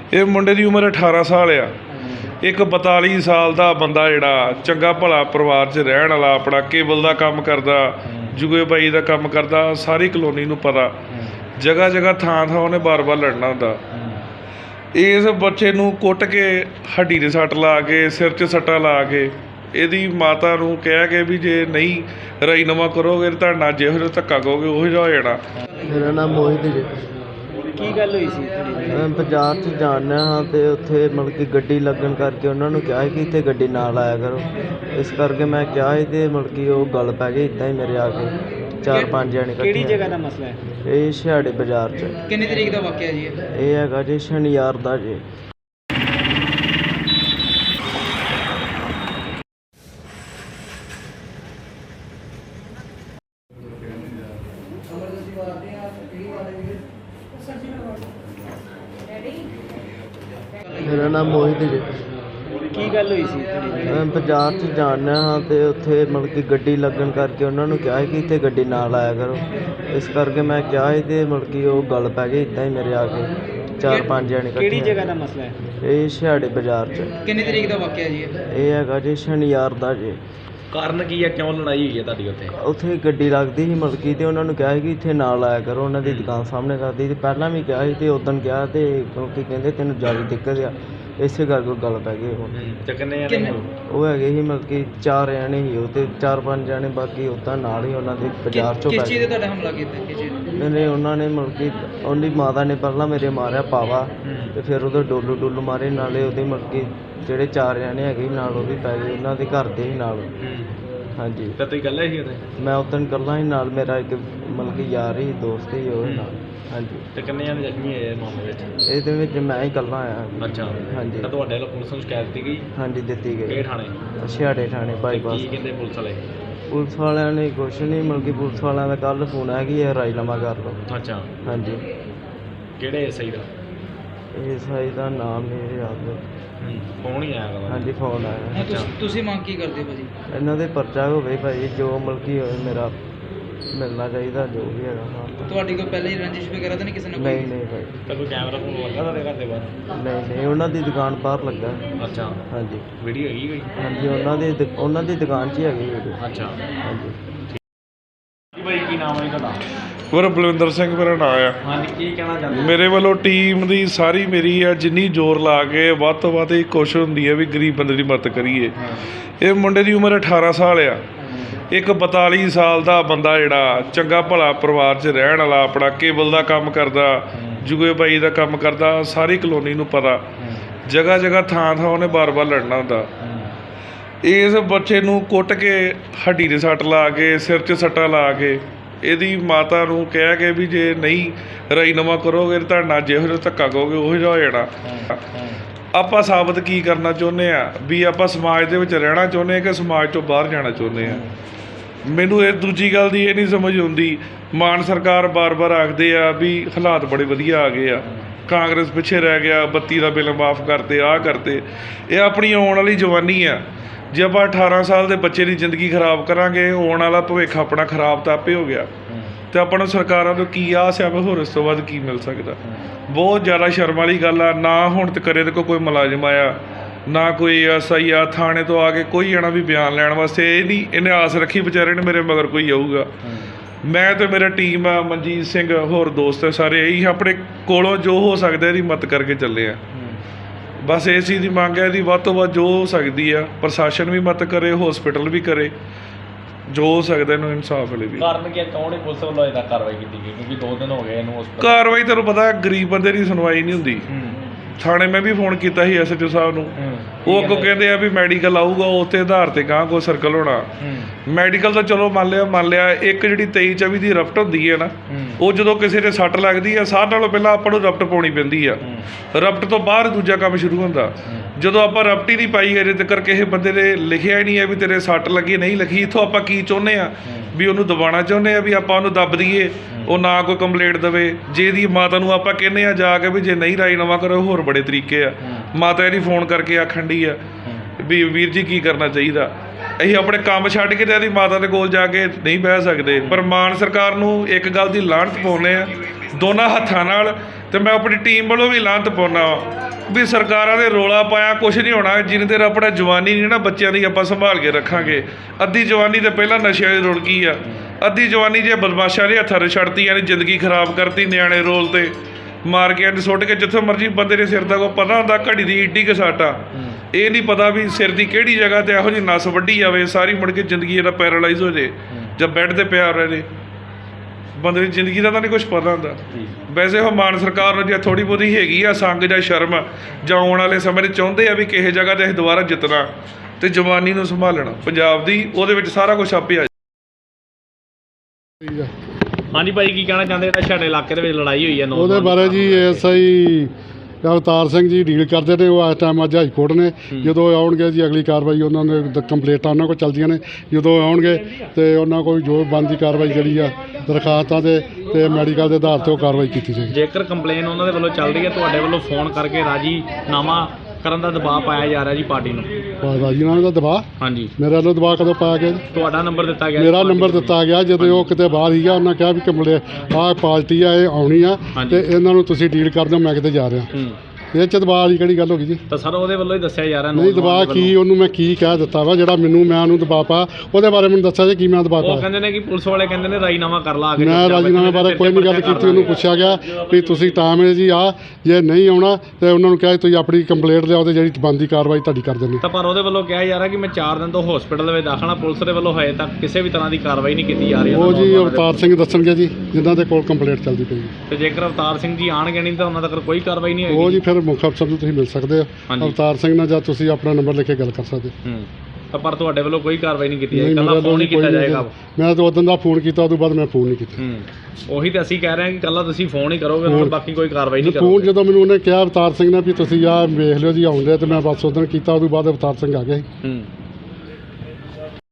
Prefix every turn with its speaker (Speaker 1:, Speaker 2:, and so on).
Speaker 1: ਇਹ ਮੁੰਡੇ ਦੀ ਉਮਰ 18 ਸਾਲ ਆ। ਇੱਕ 42 ਸਾਲ ਦਾ ਬੰਦਾ ਜਿਹੜਾ ਚੰਗਾ ਭਲਾ ਪਰਿਵਾਰ 'ਚ ਰਹਿਣ ਵਾਲਾ, ਆਪਣਾ ਕੇਬਲ ਦਾ ਕੰਮ ਕਰਦਾ, ਜੁਗੇ ਬਾਈ ਦਾ ਕੰਮ ਕਰਦਾ, ਸਾਰੀ ਕਲੋਨੀ ਨੂੰ ਪਤਾ। ਜਗ੍ਹਾ ਜਗ੍ਹਾ ਥਾਂ ਥਾਂ ਉਹਨੇ ਬਾਰ-ਬਾਰ ਲੜਨਾ ਹੁੰਦਾ। ਇਸ ਬੱਚੇ ਨੂੰ ਕੁੱਟ ਕੇ ਹੱਡੀ 'ਤੇ ਸੱਟ ਲਾ ਕੇ, ਸਿਰ 'ਚ ਸੱਟਾਂ ਲਾ ਕੇ, ਇਹਦੀ ਮਾਤਾ ਨੂੰ ਕਹਿ ਕੇ ਵੀ ਜੇ ਨਹੀਂ ਰਾਜੀਨਾਮਾ ਕਰੋਗੇ ਤਾਂ ਤੁਹਾਡੇ ਨਾਲ ਜਿਹੋ ਜਿਹਾ ਧੱਕਾ ਕਹੋਗੇ ਉਹੋ ਜਿਹਾ ਹੋ ਜਾਣਾ।
Speaker 2: ਮੇਰਾ ਨਾਮ ਮੋਹਿਤ ਜੀ।
Speaker 3: ਕੀ ਗੱਲ ਹੋਈ ਸੀ?
Speaker 2: ਮੈਂ ਬਾਜ਼ਾਰ 'ਚ ਜਾਣਾ ਹਾਂ ਅਤੇ ਉੱਥੇ ਮਤਲਬ ਕਿ ਗੱਡੀ ਲੱਗਣ ਕਰਕੇ ਉਹਨਾਂ ਨੂੰ ਕਿਹਾ ਸੀ ਕਿ ਇੱਥੇ ਗੱਡੀ ਨਾ ਲਾਇਆ ਕਰੋ। ਇਸ ਕਰਕੇ ਮੈਂ ਕਿਹਾ ਸੀ ਅਤੇ ਮਤਲਬ ਕਿ ਉਹ ਗੱਲ ਪੈ ਗਈ ਇੱਦਾਂ ਹੀ ਮੇਰੇ ਆ ਕੇ 4-5 ਜਣੇ ਇਕੱਠੇ।
Speaker 3: ਕਿਹੜੀ ਜਗ੍ਹਾ ਦਾ ਮਸਲਾ ਹੈ?
Speaker 2: ਇਹ ਛਿਹਾੜੇ ਬਾਜ਼ਾਰ 'ਚ।
Speaker 3: ਕਿੰਨੀ ਤਰੀਕ ਦਾ ਵਾਕਿਆ ਜੀ
Speaker 2: ਇਹ ਹੈਗਾ ਜੀ ਸ਼ਨੀਵਾਰ ਦਾ ਜੀ। ਮੇਰਾ ਨਾਮ ਮੋਹਿਤ ਜੀ।
Speaker 3: ਕੀ ਗੱਲ ਹੋਈ ਸੀ?
Speaker 2: ਮੈਂ ਬਾਜ਼ਾਰ 'ਚ ਜਾਣਾ ਹਾਂ ਅਤੇ ਉੱਥੇ ਮਤਲਬ ਕਿ ਗੱਡੀ ਲੱਗਣ ਕਰਕੇ ਉਹਨਾਂ ਨੂੰ ਕਿਹਾ ਸੀ ਕਿ ਇੱਥੇ ਗੱਡੀ ਨਾ ਲਾਇਆ ਕਰੋ। ਇਸ ਕਰਕੇ ਮੈਂ ਕਿਹਾ ਸੀ ਅਤੇ ਮਤਲਬ ਕਿ ਉਹ ਗੱਲ ਪੈ ਗਈ ਇੱਦਾਂ ਹੀ ਮੇਰੇ ਆ ਕੇ 4-5 ਜਣੇ ਇਕੱਠੇ।
Speaker 3: ਕਿਹੜੀ ਜਗ੍ਹਾ ਦਾ ਮਸਲਾ ਹੈ?
Speaker 2: ਇਹ ਛਿਹਾੜੇ ਬਾਜ਼ਾਰ 'ਚ।
Speaker 3: ਕਿੰਨੀ ਤਰੀਕ ਦਾ ਵਾਕਿਆ ਜੀ
Speaker 2: ਇਹ ਹੈਗਾ ਜੀ ਸ਼ਨੀਵਾਰ ਦਾ ਜੀ।
Speaker 3: ਕਾਰਨ ਕੀ ਹੈ, ਕਿਉਂ ਲੜਾਈ ਹੋਈ ਹੈ ਤੁਹਾਡੀ ਉੱਥੇ?
Speaker 2: ਉੱਥੇ ਗੱਡੀ ਲੱਗਦੀ ਸੀ ਮਤਲਬ ਕਿ ਅਤੇ ਉਹਨਾਂ ਨੂੰ ਕਿਹਾ ਸੀ ਕਿ ਇੱਥੇ ਨਾ ਲਾਇਆ ਕਰੋ, ਉਹਨਾਂ ਦੀ ਦੁਕਾਨ ਸਾਹਮਣੇ ਕਰਦੀ ਸੀ। ਪਹਿਲਾਂ ਵੀ ਕਿਹਾ ਸੀ ਅਤੇ ਉਦੋਂ ਕਿਹਾ ਅਤੇ ਕਿਉਂਕਿ ਕਹਿੰਦੇ ਤੈਨੂੰ ਜ਼ਿਆਦਾ ਦਿੱਕਤ ਆ, ਇਸੇ ਕਰਕੇ ਗੱਲ ਪੈ ਗਈ। ਉਹ
Speaker 3: ਤੇ ਕਿੰਨੇ ਜਣੇ?
Speaker 2: ਉਹ ਹੈਗੇ ਸੀ ਮਤਲਬ ਕਿ 4 ਜਣੇ ਸੀ ਉਹ, ਅਤੇ 4-5 ਜਣੇ ਬਾਕੀ ਉੱਦਾਂ ਨਾਲ ਹੀ ਉਹਨਾਂ ਦੇ ਬਾਜ਼ਾਰ 'ਚੋਂ
Speaker 3: ਕਿਸ
Speaker 2: ਪੈ
Speaker 3: ਚੀਜ਼ ਦੇ ਤੁਹਾਡੇ ਹਮਲਾ ਕੀਤਾ? ਕਿਸ ਚੀਜ਼?
Speaker 2: ਮੈਨੇ ਉਹਨਾਂ ਨੇ ਮਤਲਬ ਕਿ ਉਹਦੀ ਮਾਤਾ ਨੇ ਪਹਿਲਾਂ ਮੇਰੇ ਮਾਰਿਆ ਪਾਵਾ ਅਤੇ ਫਿਰ ਉਹਦੇ ਡੋਲੂ ਮਾਰੇ, ਨਾਲੇ ਉਹਦੇ ਮਤਲਬ ਕਿ ਜਿਹੜੇ 4 ਜਣੇ ਹੈਗੇ ਨਾਲ ਉਹ ਵੀ ਪੈ ਗਏ, ਉਹਨਾਂ ਦੇ ਘਰ ਦੇ ਹੀ ਨਾਲ। ਹਾਂਜੀ।
Speaker 3: ਤਾਂ ਤੁਸੀਂ ਇਕੱਲੇ ਸੀ ਉੱਥੇ?
Speaker 2: ਮੈਂ ਉਦੋਂ ਇਕੱਲਾ ਹੀ, ਨਾਲ ਮੇਰਾ ਇੱਕ ਮਤਲਬ ਕਿ ਯਾਰ ਹੀ, ਦੋਸਤ ਹੀ ਉਹ ਨਾਲ। ਹਾਂਜੀ।
Speaker 3: ਤੇ ਕਿੰਨੇ ਜਣੇ ਜ਼ਖਮੀ ਹੋਏ ਇਸ ਮਾਮਲੇ ਵਿੱਚ?
Speaker 2: ਇਹਦੇ ਵਿੱਚ ਮੈਂ ਹੀ ਇਕੱਲਾ ਆਇਆ।
Speaker 3: ਅੱਛਾ।
Speaker 2: ਹਾਂਜੀ।
Speaker 3: ਤਾਂ ਤੁਹਾਡੇ ਵੱਲੋਂ ਪੁਲਿਸ ਨੂੰ ਸ਼ਿਕਾਇਤ ਦਿੱਤੀ ਗਈ?
Speaker 2: ਹਾਂਜੀ ਦਿੱਤੀ
Speaker 3: ਕਿਹੜੇ
Speaker 2: ਗਈ।
Speaker 3: ਥਾਣੇ?
Speaker 2: ਛਿਹਾੜੇ ਥਾਣੇ ਬਾਈਪਾਸ।
Speaker 3: ਕੀ ਕਹਿੰਦੇ ਪੁਲਿਸ ਵਾਲੇ?
Speaker 2: ਪੁਲਿਸ ਵਾਲਿਆਂ ਨੇ ਕੁਛ ਨਹੀਂ, ਮਤਲਬ ਕਿ ਪੁਲਿਸ ਵਾਲਿਆਂ ਦਾ ਕੱਲ੍ਹ ਫੋਨ ਆ ਕਿ ਇਹ ਰਾਜੀਨਾਮਾ ਕਰ ਲਓ।
Speaker 3: ਅੱਛਾ।
Speaker 2: ਹਾਂਜੀ।
Speaker 3: ਕਿਹੜੇ ਸਹੀ ਦਾ?
Speaker 2: ਇਹ ਸਾਈ ਦਾ ਨਾਮ ਨਹੀਂ ਯਾਦ।
Speaker 3: ਫੋਨ ਹੀ ਆਇਆ ਗਾ?
Speaker 2: ਹਾਂਜੀ ਫੋਨ ਆਇਆ।
Speaker 3: ਤੁਸੀਂ ਮੰਗ ਕੀ ਕਰਦੇ ਭਾਜੀ?
Speaker 2: ਇਹਨਾਂ ਦੇ ਪਰਚਾ ਹੋਵੇ ਭਾਈ, ਜੋ ਮਤਲਬ ਕਿ ਮੇਰਾ ਮਿਲਣਾ ਚਾਹੀਦਾ, ਜੋ ਵੀ ਹੈਗਾ। ਹਾਂ।
Speaker 3: ਤੁਹਾਡੀ ਕੋਈ ਪਹਿਲੇ ਹੀ ਰੰਜਿਸ਼ ਵਗੈਰਾ ਤਾਂ ਨਹੀਂ ਕਿਸੇ ਨਾਲ?
Speaker 2: ਨਹੀਂ ਨਹੀਂ ਭਾਈ।
Speaker 3: ਤਾਂ ਕੋਈ ਕੈਮਰਾ ਫੋਨ ਲੱਗਾ ਤੁਹਾਡੇ ਘਰ ਦੇ ਬਾਹਰ?
Speaker 2: ਨਹੀਂ ਉਹਨਾਂ ਦੀ ਦੁਕਾਨ ਬਾਹਰ ਲੱਗਾ।
Speaker 3: ਅੱਛਾ।
Speaker 2: ਹਾਂਜੀ।
Speaker 3: ਵੀਡੀਓ ਹੈਗੀ ਕੋਈ?
Speaker 2: ਹਾਂਜੀ ਉਹਨਾਂ ਦੀ ਦੁਕਾਨ 'ਚ ਹੀ ਹੈਗੀ ਵੀਡੀਓ।
Speaker 3: ਅੱਛਾ।
Speaker 2: ਹਾਂਜੀ।
Speaker 3: ਜੀ ਭਾਈ ਕੀ ਨਾਮ ਹੈ ਤੁਹਾਡਾ?
Speaker 1: ਮੇਰਾ ਬਲਵਿੰਦਰ ਸਿੰਘ ਮੇਰਾ ਨਾਂ ਆ।
Speaker 3: ਹਾਂਜੀ, ਕੀ ਕਹਿਣਾ ਚਾਹੁੰਦੇ?
Speaker 1: ਮੇਰੇ ਵੱਲੋਂ ਟੀਮ ਦੀ ਸਾਰੀ ਮੇਰੀ ਆ ਜਿੰਨੀ ਜ਼ੋਰ ਲਾ ਕੇ ਵੱਧ ਤੋਂ ਵੱਧ ਇਹ ਕੋਸ਼ਿਸ਼ ਹੁੰਦੀ ਹੈ ਵੀ ਗਰੀਬ ਬੰਦੇ ਦੀ ਮਦਦ ਕਰੀਏ। ਇਹ ਮੁੰਡੇ ਦੀ ਉਮਰ 18 ਸਾਲ ਆ। ਇੱਕ 42 ਸਾਲ ਦਾ ਬੰਦਾ ਜਿਹੜਾ ਚੰਗਾ ਭਲਾ ਪਰਿਵਾਰ 'ਚ ਰਹਿਣ ਵਾਲਾ, ਆਪਣਾ ਕੇਬਲ ਦਾ ਕੰਮ ਕਰਦਾ, ਜੁਗੇ ਬਾਈ ਦਾ ਕੰਮ ਕਰਦਾ, ਸਾਰੀ ਕਲੋਨੀ ਨੂੰ ਪਤਾ। ਜਗ੍ਹਾ ਜਗ੍ਹਾ ਥਾਂ ਥਾਂ ਉਹਨੇ ਬਾਰ-ਬਾਰ ਲੜਨਾ ਹੁੰਦਾ। ਇਸ ਬੱਚੇ ਨੂੰ ਕੁੱਟ ਕੇ ਹੱਡੀ 'ਤੇ ਸੱਟ ਲਾ ਕੇ, ਸਿਰ 'ਚ ਸੱਟਾਂ ਲਾ ਕੇ, ਇਹਦੀ ਮਾਤਾ ਨੂੰ ਕਹਿ ਕੇ ਵੀ ਜੇ ਨਹੀਂ ਰਾਜੀਨਾਮਾ ਕਰੋਗੇ ਤਾਂ ਤੁਹਾਡੇ ਨਾਲ ਜਿਹੋ ਜਿਹਾ ਧੱਕਾ ਕਹੋਗੇ ਉਹੋ ਜਿਹਾ ਹੋ ਜਾਣਾ। ਆਪਾਂ ਸਾਬਤ ਕੀ ਕਰਨਾ ਚਾਹੁੰਦੇ ਆ ਵੀ ਆਪਾਂ ਸਮਾਜ ਦੇ ਵਿੱਚ ਰਹਿਣਾ ਚਾਹੁੰਦੇ ਹਾਂ ਕਿ ਸਮਾਜ ਤੋਂ ਬਾਹਰ ਜਾਣਾ ਚਾਹੁੰਦੇ ਆ। ਮੈਨੂੰ ਇਹ ਦੂਜੀ ਗੱਲ ਦੀ ਇਹ ਨਹੀਂ ਸਮਝ ਆਉਂਦੀ, ਮਾਨ ਸਰਕਾਰ ਬਾਰ-ਬਾਰ ਆਖਦੇ ਆ ਵੀ ਹਾਲਾਤ ਬੜੇ ਵਧੀਆ ਆ ਗਏ ਆ, ਕਾਂਗਰਸ ਪਿੱਛੇ ਰਹਿ ਗਿਆ, ਬੱਤੀ ਦਾ ਬਿੱਲ ਮਾਫ ਕਰਤੇ, ਆਹ ਕਰਤੇ। ਇਹ ਆਪਣੀ ਆਉਣ ਵਾਲੀ ਜਵਾਨੀ ਆ। ਜੇ ਆਪਾਂ 18 ਸਾਲ ਦੇ ਬੱਚੇ ਦੀ ਜ਼ਿੰਦਗੀ ਖਰਾਬ ਕਰਾਂਗੇ, ਆਉਣ ਵਾਲਾ ਭਵਿੱਖ ਆਪਣਾ ਖਰਾਬ ਤਾਂ ਆਪੇ ਹੋ ਗਿਆ। ਅਤੇ ਆਪਾਂ ਨੂੰ ਸਰਕਾਰਾਂ ਤੋਂ ਕੀ ਆਸ ਆ, ਹੋਰ ਇਸ ਤੋਂ ਬਾਅਦ ਕੀ ਮਿਲ ਸਕਦਾ? ਬਹੁਤ ਜ਼ਿਆਦਾ ਸ਼ਰਮ ਵਾਲੀ ਗੱਲ ਆ। ਨਾ ਹੁਣ ਤੱਕ ਇਹਦੇ ਕੋਲ ਕੋਈ ਮੁਲਾਜ਼ਮ ਆਇਆ, ਨਾ ਕੋਈ SI ਆ ਥਾਣੇ ਤੋਂ ਆ ਕੇ ਕੋਈ ਜਾਣਾ ਵੀ ਬਿਆਨ ਲੈਣ ਵਾਸਤੇ। ਇਹ ਨਹੀਂ ਇਹਨੇ ਆਸ ਰੱਖੀ ਵਿਚਾਰੇ ਨੇ ਮੇਰੇ ਮਗਰ ਕੋਈ ਆਊਗਾ। ਮੈਂ ਅਤੇ ਮੇਰਾ ਟੀਮ ਆ, ਮਨਜੀਤ ਸਿੰਘ ਹੋਰ ਦੋਸਤ ਹੈ ਸਾਰੇ, ਇਹੀ ਆਪਣੇ ਕੋਲੋਂ ਜੋ ਹੋ ਸਕਦਾ ਇਹਦੀ ਮਦਦ ਕਰਕੇ ਚੱਲੇ ਆ। ਬਸ ਇਸ ਚੀਜ਼ ਦੀ ਮੰਗ ਹੈ, ਇਹਦੀ ਵੱਧ ਤੋਂ ਵੱਧ ਜੋ ਹੋ ਸਕਦੀ ਆ ਪ੍ਰਸ਼ਾਸਨ ਵੀ ਮਦਦ ਕਰੇ, ਹੌਸਪੀਟਲ ਵੀ ਕਰੇ, ਜੋ ਹੋ ਸਕਦਾ ਇਹਨੂੰ ਇਨਸਾਫ ਮਿਲੇ ਵੀ।
Speaker 3: ਕਾਰਨ ਕੀ ਕੌਣ ਹੈ ਪੁਲਿਸ ਵੱਲੋਂ ਇਹਦਾ ਕਾਰਵਾਈ ਕੀਤੀ ਗਈ? ਕਿਉਂਕਿ 2 ਦਿਨ ਹੋ ਗਏ ਇਹਨੂੰ
Speaker 1: ਕਾਰਵਾਈ ਤੁਹਾਨੂੰ ਪਤਾ ਗਰੀਬ ਬੰਦੇ ਦੀ ਸੁਣਵਾਈ ਨਹੀਂ ਹੁੰਦੀ। ਥਾਣੇ ਮੈਂ ਵੀ ਫੋਨ ਕੀਤਾ ਸੀ SHO ਸਾਹਿਬ ਨੂੰ। ਉਹ ਅੱਗੋਂ ਕਹਿੰਦੇ ਆ ਵੀ ਮੈਡੀਕਲ ਆਊਗਾ, ਉੱਥੇ ਆਧਾਰ 'ਤੇ ਗਾਂ ਕੋਈ ਸਰਕਲ ਹੋਣਾ। ਮੈਡੀਕਲ ਤਾਂ ਚਲੋ ਮੰਨ ਲਿਆ। ਇੱਕ ਜਿਹੜੀ 23-24 ਦੀ ਰਫਟ ਹੁੰਦੀ ਹੈ ਨਾ, ਉਹ ਜਦੋਂ ਕਿਸੇ ਦੇ ਸੱਟ ਲੱਗਦੀ ਆ, ਸਾਰਿਆਂ ਨਾਲੋਂ ਪਹਿਲਾਂ ਆਪਾਂ ਨੂੰ ਰਫਟ ਪਾਉਣੀ ਪੈਂਦੀ ਆ। ਰਫਟ ਤੋਂ ਬਾਅਦ ਦੂਜਾ ਕੰਮ ਸ਼ੁਰੂ ਹੁੰਦਾ। ਜਦੋਂ ਆਪਾਂ ਰਫਟ ਹੀ ਨਹੀਂ ਪਾਈ, ਅਜੇ ਤੱਕ ਕਿਸੇ ਬੰਦੇ ਨੇ ਲਿਖਿਆ ਹੀ ਨਹੀਂ ਹੈ ਵੀ ਤੇਰੇ ਸੱਟ ਲੱਗੀ ਨਹੀਂ ਲੱਗੀ। ਇੱਥੋਂ ਆਪਾਂ ਕੀ ਚਾਹੁੰਦੇ ਆ ਵੀ ਉਹਨੂੰ ਦਬਾਉਣਾ ਚਾਹੁੰਦੇ ਆ ਵੀ ਆਪਾਂ ਉਹਨੂੰ ਦੱਬ ਦਈਏ, ਉਹ ਨਾ ਕੋਈ ਕੰਪਲੇਂਟ ਦੇਵੇ। ਜੇ ਇਹਦੀ ਮਾਤਾ ਨੂੰ ਆਪਾਂ ਕਹਿੰਦੇ ਆ ਜਾ ਕੇ ਵੀ ਜੇ ਨਹੀਂ ਰਾਜੀਨਾਮਾ ਕਰੋ, ਹੋਰ ਬੜੇ ਤਰੀਕੇ ਆ। ਮਾਤਾ ਇਹਦੀ ਫੋਨ ਕਰਕੇ ਆਖਣ ਡਈ ਆ ਵੀ ਵੀਰ ਜੀ ਕੀ ਕਰਨਾ ਚਾਹੀਦਾ। ਅਸੀਂ ਆਪਣੇ ਕੰਮ ਛੱਡ ਕੇ ਤੇ ਇਹਦੀ ਮਾਤਾ ਦੇ ਕੋਲ ਜਾ ਕੇ ਨਹੀਂ ਬਹਿ ਸਕਦੇ। ਪਰ ਮਾਨ ਸਰਕਾਰ ਨੂੰ ਇੱਕ ਗੱਲ ਦੀ ਲਾਹਨਤ ਪਾਉਂਦੇ ਆ ਦੋਨਾਂ ਹੱਥਾਂ ਨਾਲ। ਤੇ ਮੈਂ ਆਪਣੀ ਟੀਮ ਵੱਲੋਂ ਵੀ ਲਾਹਨਤ ਪਾਉਂਦਾ ਵਾਂ ਵੀ ਸਰਕਾਰਾਂ ਦੇ ਰੌਲਾ ਪਾਇਆ ਕੁਛ ਨਹੀਂ ਹੋਣਾ ਜਿੰਨੀ ਦੇਰ ਆਪਣਾ ਜਵਾਨੀ ਨਹੀਂ ਨਾ ਬੱਚਿਆਂ ਦੀ ਆਪਾਂ ਸੰਭਾਲ ਕੇ ਰੱਖਾਂਗੇ। ਅੱਧੀ ਜਵਾਨੀ ਤਾਂ ਪਹਿਲਾਂ ਨਸ਼ਿਆਂ ਦੀ ਰੁੜ ਗਈ ਆ, ਅੱਧੀ ਜਵਾਨੀ ਜੇ ਬਦਮਾਸ਼ਾਂ ਦੇ ਹੱਥਾਂ 'ਚ ਛੱਡਤੀ ਯਾਨੀ ਜ਼ਿੰਦਗੀ ਖਰਾਬ ਕਰਤੀ, ਨਿਆਣੇ ਰੋਲ ਤੇ ਮਾਰ ਕੇ ਐਂਡ ਸੁੱਟ ਕੇ ਜਿੱਥੇ ਮਰਜ਼ੀ ਬੰਦੇ ਦੇ ਸਿਰ ਦਾ ਕੋਈ ਪਤਾ ਹੁੰਦਾ ਘੜੀ ਦੀ ਏਡੀ ਕੁ ਸੱਟ ਆ, ਇਹ ਨਹੀਂ ਪਤਾ ਵੀ ਸਿਰ ਦੀ ਕਿਹੜੀ ਜਗ੍ਹਾ ਤੇ ਇਹੋ ਜਿਹੀ ਨਸ ਵੱਢੀ ਜਾਵੇ ਸਾਰੀ ਮੁੜ ਕੇ ਜ਼ਿੰਦਗੀ ਇਹਦਾ ਪੈਰਾਲਾਈਜ਼ ਹੋ ਜੇ ਜਾਂ ਬੈੱਡ ਤੇ ਪਿਆ ਰਹੇ ਬੰਦੇ ਦੀ ਜ਼ਿੰਦਗੀ ਦਾ ਤਾਂ ਨਹੀਂ ਕੁਛ ਪਤਾ ਹੁੰਦਾ। ਵੈਸੇ ਉਹ ਮਾਨ ਸਰਕਾਰ ਨੂੰ ਜੇ ਥੋੜ੍ਹੀ ਬਹੁਤੀ ਹੈਗੀ ਆ ਸੰਗ ਜਾਂ ਸ਼ਰਮ ਜਾਂ ਆਉਣ ਵਾਲੇ ਸਮੇਂ 'ਚ ਚਾਹੁੰਦੇ ਆ ਵੀ ਕਿਸੇ ਜਗ੍ਹਾ 'ਤੇ ਅਸੀਂ ਦੁਬਾਰਾ ਜਿੱਤਣਾ ਤੇ ਜਵਾਨੀ ਨੂੰ ਸੰਭਾਲਣਾ ਪੰਜਾਬ ਦੀ, ਉਹਦੇ ਵਿੱਚ ਸਾਰਾ ਕੁਛ ਆਪੇ ਆ।
Speaker 3: ਹਾਂਜੀ ਭਾਈ ਕੀ ਕਹਿਣਾ ਚਾਹੁੰਦੇ ਜਿਹੜਾ ਸਾਡੇ ਇਲਾਕੇ ਦੇ ਵਿੱਚ ਲੜਾਈ ਹੋਈ ਹੈ
Speaker 4: ਉਹਦੇ ਬਾਰੇ ਜੀ ਐਸਆਈ ਅਵਤਾਰ ਸਿੰਘ ਜੀ ਡੀਲ ਕਰਦੇ ਨੇ, ਉਹ ਇਸ ਟਾਈਮ ਅੱਜ ਹਾਈ ਕੋਰਟ ਨੇ। ਜਦੋਂ ਆਉਣਗੇ ਜੀ ਅਗਲੀ ਕਾਰਵਾਈ ਉਹਨਾਂ ਨੇ ਕੰਪਲੇਂਟਾਂ ਉਹਨਾਂ ਕੋਲ ਚੱਲਦੀਆਂ ਨੇ, ਜਦੋਂ ਆਉਣਗੇ ਤੇ ਉਹਨਾਂ ਕੋਲ ਜੋ ਬਣਦੀ ਕਾਰਵਾਈ ਜਿਹੜੀ ਆ ਦਰਖਾਸਤਾਂ ਤੇ ਮੈਡੀਕਲ ਦੇ ਆਧਾਰ 'ਤੇ ਉਹ ਕਾਰਵਾਈ ਕੀਤੀ ਜਾਏਗੀ।
Speaker 3: ਜੇਕਰ ਕੰਪਲੇਨ ਉਹਨਾਂ ਦੇ ਵੱਲੋਂ ਚੱਲ ਰਹੀ ਹੈ ਤੁਹਾਡੇ ਵੱਲੋਂ ਫੋਨ ਕਰਕੇ ਰਾਜੀਨਾਮਾ ਕਰਨ ਦਾ ਦਬਾਅ ਪਾਇਆ ਜਾ ਰਿਹਾ ਜੀ ਪਾਰਟੀ ਨੂੰ?
Speaker 4: ਰਾਜੀਨਾਮੇ ਦਾ ਦਬਾਅ?
Speaker 3: ਹਾਂਜੀ।
Speaker 4: ਮੇਰੇ ਵੱਲੋਂ ਦਬਾਅ ਕਦੋਂ ਪਾਇਆ ਗਿਆ ਜੀ?
Speaker 3: ਤੁਹਾਡਾ ਨੰਬਰ ਦਿੱਤਾ ਗਿਆ?
Speaker 4: ਮੇਰਾ ਨੰਬਰ ਦਿੱਤਾ ਗਿਆ ਜਦੋਂ ਉਹ ਕਿਤੇ ਬਾਹਰ ਸੀਗਾ, ਉਹਨਾਂ ਕਿਹਾ ਵੀ ਕੰਪਲੇਂਟ ਆਹ ਪਾਰਟੀ ਆ ਇਹ ਆਉਣੀ ਆ ਤੇ ਇਹਨਾਂ ਨੂੰ ਤੁਸੀਂ ਡੀਲ ਕਰ ਦਿਓ, ਮੈਂ ਕਿਤੇ ਜਾ ਰਿਹਾ। ਇਹ 'ਚ ਦਬਾਅ ਦੀ ਕਿਹੜੀ ਗੱਲ ਹੋ ਗਈ ਜੀ?
Speaker 3: ਤਾਂ ਸਰ ਉਹਦੇ ਵੱਲੋਂ ਹੀ ਦੱਸਿਆ ਜਾ ਰਿਹਾ
Speaker 4: ਨਹੀਂ ਦਬਾਅ ਕੀ, ਉਹਨੂੰ ਮੈਂ ਕੀ ਕਹਿ ਦਿੱਤਾ ਵਾ ਜਿਹੜਾ ਮੈਂ ਉਹਨੂੰ ਦਬਾਅ ਪਾ, ਉਹਦੇ ਬਾਰੇ ਮੈਨੂੰ ਦੱਸਿਆ ਜੀ ਕੀ ਮੈਂ ਦਬਾਅ ਪਾ।
Speaker 3: ਉਹ ਕਹਿੰਦੇ ਨੇ ਕਿ ਪੁਲਿਸ ਵਾਲੇ ਕਹਿੰਦੇ ਨੇ ਰਾਜੀਨਾਮਾ ਕਰ ਲਾ।
Speaker 4: ਮੈਂ ਰਾਜੀਨਾਮੇ ਬਾਰੇ ਕੋਈ ਨਹੀਂ ਗੱਲ ਕੀਤੀ, ਉਹਨੂੰ ਪੁੱਛਿਆ ਗਿਆ ਵੀ ਤੁਸੀਂ ਟਾਈਮ ਹੈ ਜੀ ਆ, ਜੇ ਨਹੀਂ ਆਉਣਾ ਤੇ ਉਹਨਾਂ ਨੂੰ ਕਿਹਾ ਤੁਸੀਂ ਆਪਣੀ ਕੰਪਲੇਂਟ ਲਿਆਓ ਤੇ ਜਿਹੜੀ ਬਣਦੀ ਕਾਰਵਾਈ ਤੁਹਾਡੀ ਕਰ ਦਿੰਦੇ।
Speaker 3: ਤਾਂ ਪਰ ਉਹਦੇ ਵੱਲੋਂ ਕਿਹਾ ਜਾ ਰਿਹਾ ਕਿ ਮੈਂ 4 ਦਿਨ ਤੋਂ ਹਸਪੀਟਲ ਦੇ ਵਿੱਚ ਦਾਖਲ ਹਾਂ, ਪੁਲਿਸ ਦੇ ਵੱਲੋਂ ਹਜੇ ਤੱਕ ਕਿਸੇ ਵੀ ਤਰ੍ਹਾਂ ਦੀ ਕਾਰਵਾਈ ਨਹੀਂ ਕੀਤੀ ਜਾ ਰਹੀ।
Speaker 4: ਉਹ ਜੀ ਅਵਤਾਰ ਸਿੰਘ ਦੱਸਣਗੇ ਜੀ ਜਿਨ੍ਹਾਂ ਦੇ ਕੋਲ ਕੰਪਲੇਂਟ ਚੱਲਦੀ ਪਈ।
Speaker 3: ਤੇ ਜੇਕਰ ਅਵਤਾਰ ਸਿੰਘ ਜੀ ਆਣਗੇ ਨਹੀਂ ਤਾਂ ਉਹਨਾਂ ਤੱਕ ਕੋਈ ਕਾਰਵਾਈ ਨਹੀਂ ਹੋਏਗੀ?
Speaker 4: ਉਹ ਜੀ ਫਿਰ ਮੁੱਖ ਅਫਸਰ ਨੂੰ ਤੁਸੀਂ ਮਿਲ ਸਕਦੇ ਹੋ ਅਵਤਾਰ ਸਿੰਘ ਨਾਲ, ਜਾਂ ਤੁਸੀਂ ਆਪਣਾ ਨੰਬਰ ਲਿਖ ਕੇ ਗੱਲ ਕਰ ਸਕਦੇ ਹੋ।
Speaker 3: ਤਾਂ ਪਰ ਤੁਹਾਡੇ ਵੱਲੋਂ ਕੋਈ ਕਾਰਵਾਈ ਨਹੀਂ ਕੀਤੀ ਜਾਏਗੀ? ਕੱਲਾ ਫੋਨ ਹੀ ਕੀਤਾ ਜਾਏਗਾ?
Speaker 4: ਮੈਂ ਤਾਂ ਉਦੋਂ ਦਾ ਫੋਨ ਕੀਤਾ, ਉਦੋਂ ਬਾਅਦ ਮੈਂ ਫੋਨ ਨਹੀਂ ਕੀਤਾ।
Speaker 3: ਉਹੀ ਤਾਂ ਅਸੀਂ ਕਹਿ ਰਹੇ ਹਾਂ ਕਿ ਕੱਲਾ ਤੁਸੀਂ ਫੋਨ ਹੀ ਕਰੋਗੇ, ਹੋਰ ਬਾਕੀ ਕੋਈ ਕਾਰਵਾਈ ਨਹੀਂ ਕਰੋਗੇ।
Speaker 4: ਫੋਨ ਜਦੋਂ ਮੈਨੂੰ ਉਹਨੇ ਕਿਹਾ ਅਵਤਾਰ ਸਿੰਘ ਨੇ ਵੀ ਤੁਸੀਂ ਆ ਵੇਖ ਲਿਓ ਜੀ ਆਉਂਦੇ, ਤੇ ਮੈਂ ਬਸ ਉਦੋਂ ਕੀਤਾ, ਉਦੋਂ ਬਾਅਦ ਅਵਤਾਰ ਸਿੰਘ ਆ ਗਿਆ ਸੀ।